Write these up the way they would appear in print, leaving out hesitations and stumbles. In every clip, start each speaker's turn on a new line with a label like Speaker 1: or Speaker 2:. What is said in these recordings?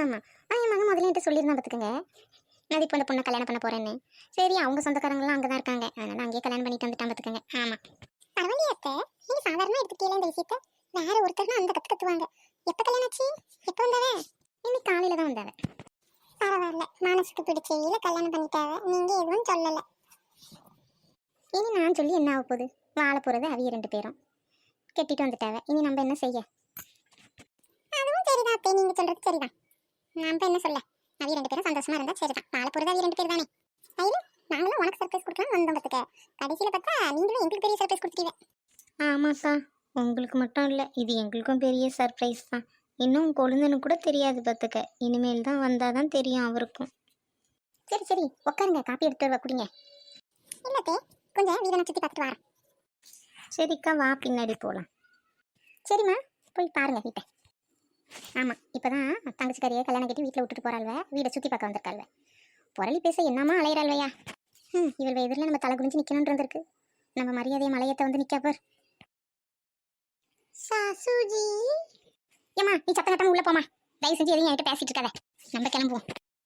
Speaker 1: ஆமாம். ஆனால் என் மகன் முதல்ல என்கிட்ட சொல்லியிருந்தான் பார்த்துக்கங்க, நான் இப்போ இந்த பொண்ணை கல்யாணம் பண்ண போகிறேன்னு. சரி, அவங்க சொந்தக்காரங்களாம் அங்கே தான் இருக்காங்க, அதனால் அங்கேயே கல்யாணம் பண்ணிட்டு வந்துட்டான் பார்த்துக்கங்க. ஆமாம். பரவாயில்லையே அத்தை, நீங்கள் சாதாரணமாக எடுத்துக்கல இந்த விஷயத்த. வேற ஒருத்தர்னா அந்த கற்றுவாங்க. எப்போ கல்யாணம் ஆச்சு? எப்போ வந்தாவே? இன்னைக்கு காலையில் தான் வந்தாவே. பரவாயில்ல, மனசுக்கு பிடிச்ச கல்யாணம் பண்ணிட்டாவே. நீங்கள் எதுவும் சொல்லலை. இனி நான் சொல்லி என்ன ஆக போகுது? வாழ போகிறது அவிய 2 பேரும் கெட்டிட்டு வந்துட்டாவே. இனி நம்ம என்ன செய்ய? அதுவும் சரிதான் அத்தை, நீங்கள் சொல்கிறது சரிதான். நம்ம என்ன சொல்ல? அவிய 2 பேரும் சந்தோஷமா இருந்தா சரிதான். வாழ போகிறது அவிய 2 பேர் தானே. ஐயோ, நாங்களும் உனக்கு சர்ப்ரைஸ் கொடுக்கலாம் வந்தோம் பார்த்துக்க. கடைசியில் பார்த்தா நீங்களும் எங்களுக்கு பெரிய சர்ப்ரைஸ் கொடுத்துருவீங்க. ஆமாக்கா, உங்களுக்கு மட்டும் இல்லை, இது எங்களுக்கும் பெரிய சர்ப்ரைஸ் தான். இன்னும் கொழுந்தனுக்கு கூட தெரியாது பார்த்துக்க. இனிமேல் தான் வந்தால் தான் தெரியும் அவருக்கும். சரி சரி, உட்காருங்க, காப்பி எடுத்து வர குடிங்க. இல்லத்தே, கொஞ்சம் வீடனை சுற்றி பார்த்துட்டு வரேன். சரிக்கா, வா பின்னாடி போகலாம். சரிம்மா, போய் பாருங்க வீட்டை. ஆமாம், இப்போ தான் தங்கச்சிக்காரியை கல்யாணம் கட்டி வீட்டில் விட்டுட்டு போகிறாள்வ. வீடை சுற்றி பார்க்க வந்திருக்காள்வ. புரளி பேச என்னம்மா அலையிறாள்வையா? இவள் எதிரில் நம்ம தலை குடிஞ்சு நிற்கணும்னு இருந்திருக்கு. நம்ம மரியாதையை மலையத்தை வந்து நிற்காப்பர். சாசுஜி, ஏம்மா நீ சத்தம் கட்டாம உள்ள போமா. தயவு செஞ்சு எதையும் என்கிட்ட பேசிட்டு இருக்காத. நம்ம கிளம்புவோம்.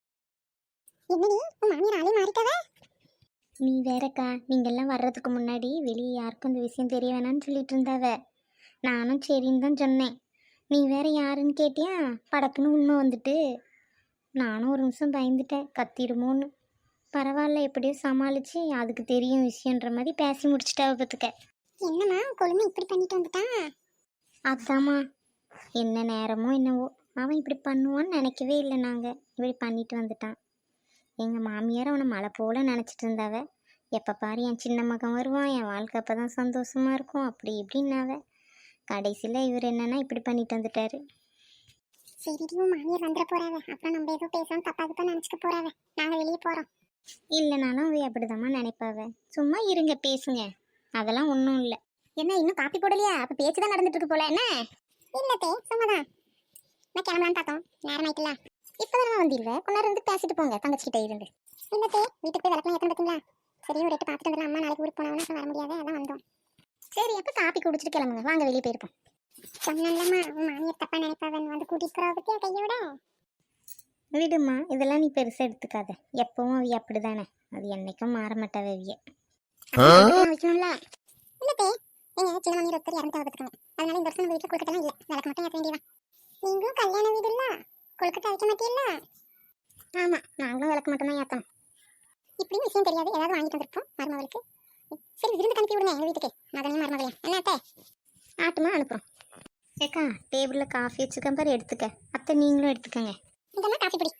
Speaker 1: என்னடி உன் மாமியார் ஆளே மாறிட்டாவே? நீ வேறக்கா, நீங்கள்லாம் வர்றதுக்கு முன்னாடி வெளியே யாருக்கும் இந்த விஷயம் தெரிய வேணான்னு சொல்லிட்டு இருந்தாவ. நானும் சரின்னு தான் சொன்னேன். நீ வேற யாருன்னு கேட்டியா? படக்குன்னு உண்மை வந்துட்டு நானும் ஒரு நிமிஷம் பயந்துட்டேன், கத்திடுமோன்னு. பரவாயில்ல, எப்படியோ சமாளிச்சு அதுக்கு தெரியும் விஷயன்ற மாதிரி பேசி முடிச்சுட்டாவ பார்த்துக்க. என்னம்மா கொழுமை இப்படி பண்ணிட்டு வந்துட்டான்? அதாம்மா, என்ன நேரமோ என்னவோ அவன் இப்படி பண்ணுவான்னு நினைக்கவே இல்லை. நாங்கள் இப்படி பண்ணிட்டு வந்துட்டான். எங்கள் மாமியார் அவனை மழை போல நினச்சிட்டு இருந்தாவ. எப்போ பாரு என் சின்ன மகன் வருவான், என் வாழ்க்கை அப்போ தான் சந்தோஷமாக இருக்கும், அப்படி இப்படின்னாவ. கடைசியில் இவர் என்னன்னா இப்படி பண்ணிட்டு வந்துட்டாரு. சரிடியும் மாமியார் வந்துட போறாவ. அப்புறம் நம்ம ஏதோ பேசாமல் தப்பாக நினச்சிக்க போறாவ. நாங்கள் வெளியே போகிறோம். இல்லைனாலும் அவை அப்படிதாம்மா நினைப்பாவ. சும்மா இருங்க, பேசுங்க, அதெல்லாம் ஒன்றும் இல்லை. என்ன இன்னும் காப்பி போடலையா? அப்போ பேச்சு தான் நடந்துட்டு இருக்கு போல. என்ன? இல்லத்தே, சும்மாதான். நான் கிளம்பலான்னு பார்த்தோம், நேரம் ஆயிட்டுல. இப்போதான் வந்துடுவேன், கொஞ்ச நேரம் இருந்து பேசிட்டு போங்க தங்கச்சிக்கிட்ட இருந்து. இல்லத்தே, வீட்டுக்கு போய் விளக்கலாம் ஏற்ற பார்த்தீங்களா? சரி, ஒரு எட்டு பார்த்துட்டு வந்துடலாம். அம்மா நாளைக்கு ஊருக்கு போனவனா வர முடியாது, அதான் வந்தோம். சரி, அப்போ காப்பி குடிச்சிட்டு கிளம்புங்க, வாங்க வெளியே போயிருப்போம். சொன்னல்லம்மா, உன் மாமியார் தப்பா நினைப்பாவன் வந்து கூட்டிட்டு போறா பத்தியா கையோட. விடுமா, இதெல்லாம் நீ பெருசாக எடுத்துக்காத. எப்பவும் அவிய அப்படிதானே, அது என்னைக்கும் மாற மாட்டாவ அவிய. வைக்கணும்ல. இல்லத்தே, எங்க சின்ன மாமியார் ஒருத்தர் இறந்து பார்த்துருக்காங்க. அதனால இந்த வருஷம் வீட்டில் கொழுக்கட்டெல்லாம் இல்லை, விளக்க மட்டும் ஏற்ற வேண்டியதான். நீங்களும் கல்யாண வீடு இல்லை, கொழுக்கட்டை வைக்க மாட்டீல்ல? ஆமாம், நாங்களும் விளக்க மட்டும் தான் ஏற்றோம். இப்படியும் விஷயம் தெரியாது, ஏதாவது வாங்கிட்டு வந்திருப்போம் மருமகளுக்கு. சரி, விருந்து அனுப்பி விடுங்க எங்கள் வீட்டுக்கு, மகனையும் மருமகளையும். என்ன அத்தை? ஆட்டுமா அனுப்புகிறோம். ஏக்கா, டேபிளில் காஃபி வச்சுக்கேன் பாரு, எடுத்துக்க. அத்தை நீங்களும் எடுத்துக்கங்க. இதெல்லாம் காஃபி பிடி.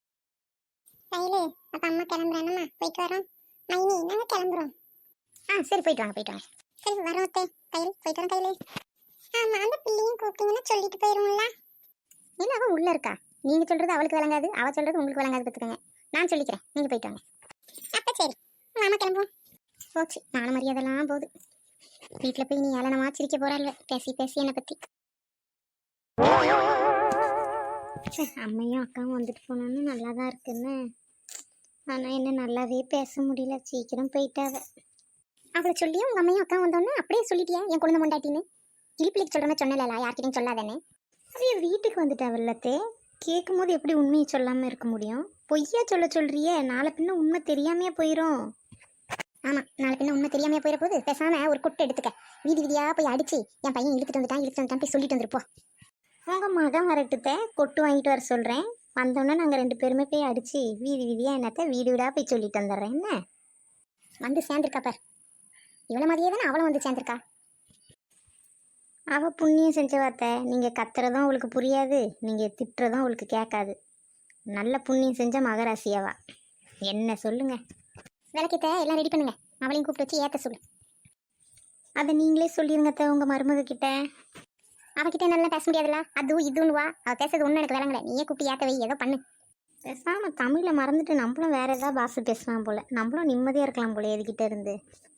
Speaker 1: கையில் அப்போ அம்மா கிளம்புறேன்னம்மா, போயிட்டு வரோம். மைனி, நாங்கள் கிளம்புறோம். சரி, போயிட்டு வாங்க போயிட்டு வாங்க. சரி, வரோம் அத்தை. கையில் போயிட்டு வரோம். கையில் ஆமாம், அந்த பிள்ளையும் கூப்பிட்டீங்கன்னா சொல்லிட்டு போயிடுவோம்ல. இல்லை, அவள் உள்ளே இருக்கா. நீங்கள் சொல்கிறது அவளுக்கு விளங்காது, அவள் சொல்கிறது உங்களுக்கு விளங்காது பார்த்துக்கோங்க. நான் சொல்லிக்கிறேன், நீங்கள் போயிட்டு வாங்க. அப்போ சரி, மாமா கிளம்புவோம். போச்சு, நானும் மரியாதைலாம் போகுது. வீட்டில் போய் நீ ஏளனமா சிரிக்க போகிறாள் பேசி பேசி என்னை பற்றி. அம்மையும் அக்காவும் வந்துட்டு போனோன்னு நல்லா தான் இருக்குன்னு. ஆனால் என்ன நல்லாவே பேச முடியல, சீக்கிரம் போயிட்டாவ. அவளை சொல்லியும் உங்கள் அம்மையும் அக்காவும் வந்தோன்னே அப்படியே சொல்லிட்டியா என் குழந்தை முண்டாட்டின்னு? கிளிப்பிள்ளைக்கு சொல்கிறமே சொன்னல, யார்கிட்டையும் சொல்லாதானே. அப்படியே வீட்டுக்கு வந்துட்டாவல்லத்தே, கேட்கும் போது எப்படி உண்மையை சொல்லாமல் இருக்க முடியும்? பொய்யா சொல்கிறியே, நாளை பின்ன உண்மை தெரியாமையே போயிடும். ஆமாம், நாளை பின்ன உண்மை தெரியாமையே போயிட போது. பேசாமல் ஒரு கொட்டை எடுத்துக்க, வீதி வீதியாக போய் அடிச்சு என் பையன் இழுத்துட்டு வந்துட்டான் போய் சொல்லிட்டு வந்துருப்போம். உங்கள் மகன் வரட்டுத்த கொட்டு வாங்கிட்டு வர சொல்கிறேன். வந்தோன்னே நாங்கள் 2 பேருமே போய் அடித்து வீதி வீதியாக என்னத்த வீடு வீடாக போய் சொல்லிட்டு வந்துடுறேன். என்ன வந்து சேர்ந்துருக்கா பார், இவ்வளோ மாதிரியே தானே அவளும் வந்து சேர்ந்துருக்கா. அவள் புண்ணியம் செஞ்ச வார்த்தை. நீங்கள் கத்துறதும் அவளுக்கு புரியாது, நீங்கள் திட்டுறதும் அவளுக்கு கேட்காது. நல்ல புண்ணியம் செஞ்ச மகராசியாவா. என்ன சொல்லுங்க. விளக்கத்தை எல்லாம் ரெடி பண்ணுங்க, அவளையும் கூப்பிட்டு வச்சு ஏற்ற சொல்லு. அதை நீங்களே சொல்லிடுங்க உங்கள் மருமக கிட்ட. அவகிட்ட நல்லா பேச முடியாதுல்ல, அதுவும் இதுன்னு வா. அவள் பேசுறது ஒன்றும் எனக்கு விளங்கலை, நீயே கூப்பிட்டு ஏற்ற வை, ஏதோ பண்ணு. பேசாமல் தமிழை மறந்துட்டு நம்மளும் வேறு ஏதாவது பாஷை பேசலாம் போல், நம்மளும் நிம்மதியாக இருக்கலாம் போல எதுக்கிட்ட இருந்து.